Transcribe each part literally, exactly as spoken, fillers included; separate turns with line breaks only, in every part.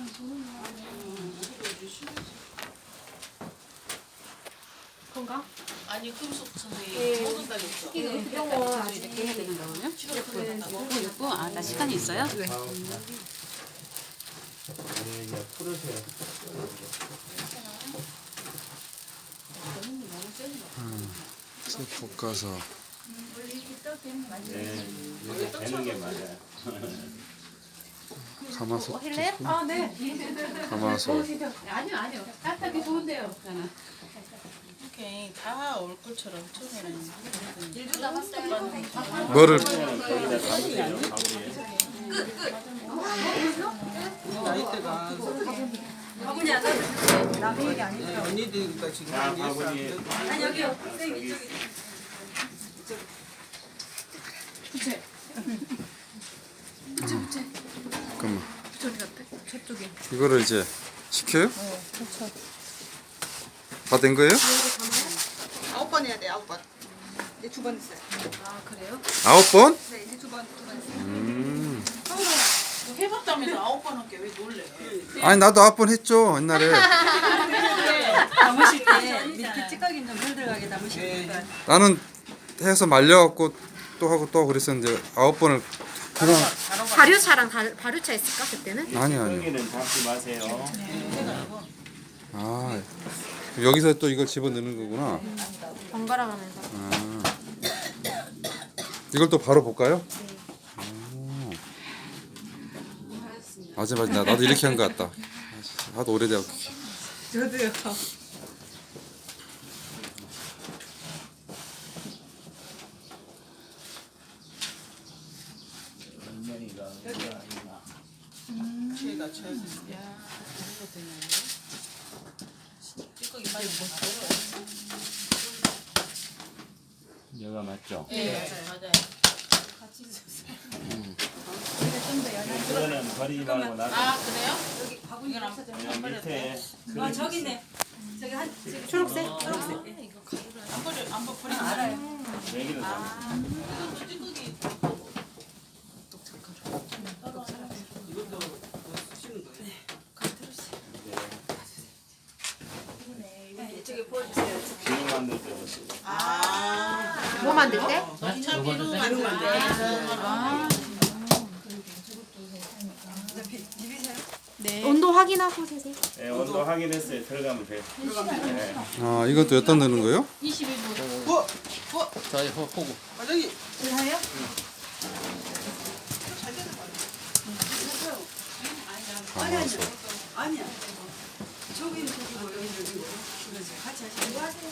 건가?
아니 금속 선생님 모든 달이 없어.
병원
이렇게 해야 되는 거군요.
육
육 분? 아, 나 시간이 있어요? 네.
풀으세요.
쭉 볶아서.
네, 이게 되는 게 맞아요.
가마솥.
해실래요? 아, 네.
가마솥.
아니요, 아니요. 따뜻하게 좋은데요.
이렇게 다 올 것처럼 처음에는
일도 남았어요.
뭐를
거기다 담으세요.
나이대가
바구니 안 놔도 남의 얘기 아니죠?
네, 언니들이니까 지금
자,
한 예스 안
바구니.
되고.
아니, 여기요. 선생님 이쪽에.
잠깐만.
저기 갔대? 저쪽에.
이거를 이제 식혀요? 다 된 거예요?
아홉 번 해야 돼, 아홉 번. 이제 두 번 했어요.
아, 그래요?
아홉 번?
네, 이제 두 번, 두 번 했어요.
음.
해봤다면서 아홉 번 할게 왜 놀래?
아니 나도 아홉 번 했죠 옛날에.
담으실 때 밑에 찌꺼기 좀 덜 들어가게 담으실 거니까.
나는 해서 말려갖고 또 하고 또 그랬었는데 아홉 번을 그냥
발효차랑 다, 발효차 있을까 그때는?
아니 아니.
여기는 잡지 마세요.
아 여기서 또 이걸 집어 넣는 거구나.
번갈아 가면서.
아. 이걸 또 바로 볼까요? 오. 맞아 맞아 나- 나도 이렇게 한 거 같다. 하도 오래돼갖고.
저도요.
피해가 쳐야 돼.
찌꺼기 빨리 먹어.
여가 맞죠?
네 맞아요.
그거는 버리지 말고 놔.
아 그래요?
바구니 없어져.
밑에
아, 저기 있네. 저기 한, 저기
초록색?
아, 이거 가루를 안 버려 안 버리면 알아요.
여기는 담.
찌꺼기
이것도 쓰시는 거예요.
이쪽에 보여주세요.
기름 만들 때.
뭐 만들 때?
참 비누 만들 때.
온도 확인하고 세세요.
네, 온도 확인했어요. 들어가면 돼요. 네.
아 이것도 여기다 넣는 거예요?
이십일 분.
어?
자, 이거 호구.
과장님.
하요?
가마솥.
아니야. 저기는 저기고 여기는 여기고. 같이 하시는 거 하세요.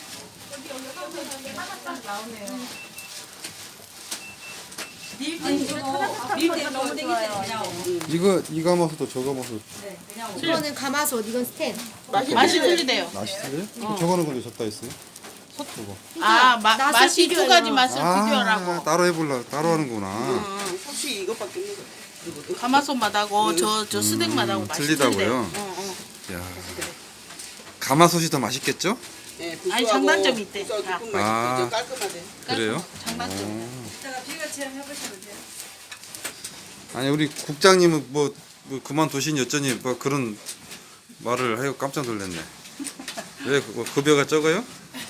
밀대 너무 땡기세요. 그냥.
이거 이 가마솥도 저 가마솥
네, 그냥.
이거는 가마솥, 이건 스텐.
맛이 틀리대요.
맛이 틀려요? 저거는 근데 적다 있어요? 저거.
아 마,
맛을
맛이 두
비교해요.
가지 맛을
아
비교하라고.
따로 해볼라 따로 하는구나.
어, 혹시 이것밖에 없는 거예요? 이것도?
가마솥 맛하고 저 저 스낵 맛하고
음,
맛이
틀리다고요?
틀리대요. 어, 어.
야 가마솥이 더 맛있겠죠?
네,
아니,
구수하고
장단점이 있대.
구수하고
아.
조금
아.
맛있고 깔끔하대.
그래요?
장단점.
오.
이따가 비가 체험 해보시면 돼요.
아니 우리 국장님은 뭐, 뭐 그만두신 여전히 뭐 그런 말을 하여 깜짝 놀랐네. 왜 그- 급여가 적어요?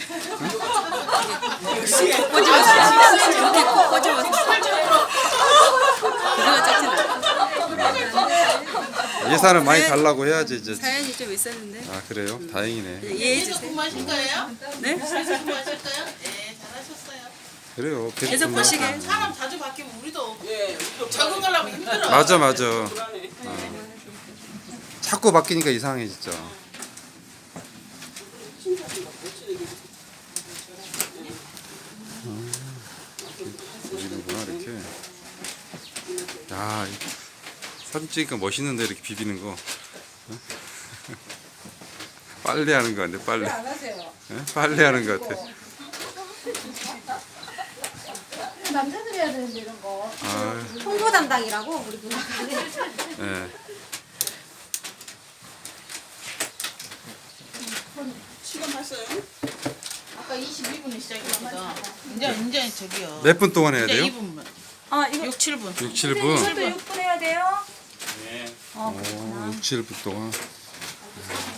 예산을 많이 달라고 해야지 이제.
사연이 좀 있었는데.
아 그래요? 다행이네.
이해해
계속
주세요.
근무하실 거예요?
네?
계속 근무하실 거예요? 네, 잘하셨어요.
그래요.
계속 보시게.
사람 자주 바뀌면 우리도
예, 우리도
적응하려면 힘들어.
맞아 맞아.
불안해.
자꾸 바뀌니까 이상해 진짜. 비비는구나 이렇게. 야 이- 사진 찍으니까 멋있는데 이렇게 비비는 거. 어? 빨래 하는 거 같네 빨래.
안 하세요.
어? 빨래 하는 거 같아.
남자들이 해야 되는데 이런 거.
아,
홍보 담당이라고 우리 누나.
예.
시간 봤어요?
아까 이십이 분에 시작했거든. 이제 이제 저기요.
몇 분 동안 해야
이제
돼요?
이 분만.
아, 이거
육, 칠 분.
육, 칠 분.
육 분 해야 돼요?
네.
어,
어, 그렇구나.
오, 육, 칠부터가.